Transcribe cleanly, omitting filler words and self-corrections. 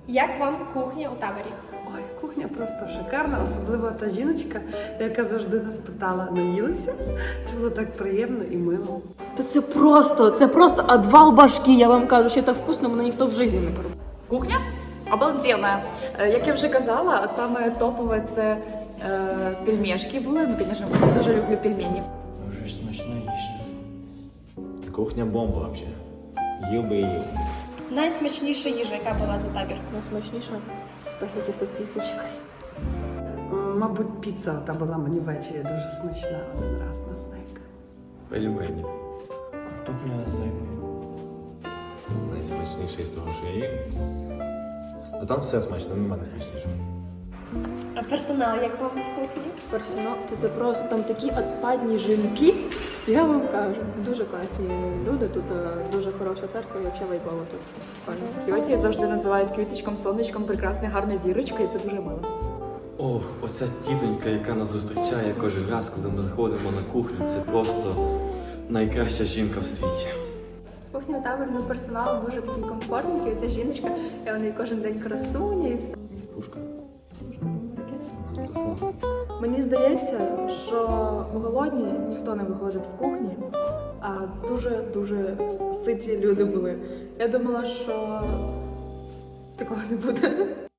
Як вам кухня у таборі? Ой, кухня просто шикарна, особливо та жіночка, яка завжди нас питала, наїлися. Це було так приємно і мило. Та це просто отвал башки, я вам кажу, що так вкусно мене ніхто в житті не пробував. Кухня обалденна. Як я вже казала, саме топове це пельмешки були. Ну, звісно, я дуже люблю пельмені. Дуже смачна їжа. Кухня бомба вообще. Їв би і їв. Найсмачніша їжа, яка була за табір. Найсмачніше спагеті з сосисочкою. Мабуть, піца та була мені ввечері дуже смачна один раз на снек. Пельмені. Картопля з рибою. Найсмачніше з того, що я їв. Ну там все смачно, нема найсмачнішого. А персонал, як вам з кухні? Персонал, це просто там такі отпадні жінки. Я вам кажу, дуже класні люди, тут дуже хороша церква і взагалі вайбово тут. Файно. Тьоті завжди називають квіточком, сонечком, прекрасною, гарною зірочкою, і це дуже мило. Ох, оця тітонька, яка нас зустрічає кожен раз, коли ми заходимо на кухню, це просто найкраща жінка в світі. Кухня у таборі, ну, персонал дуже такий комфортний, ця жіночка, і вони кожен день красуні і все. Пушка. Мені здається, що голодні ніхто не виходив з кухні, а дуже ситі люди були. Я думала, що такого не буде.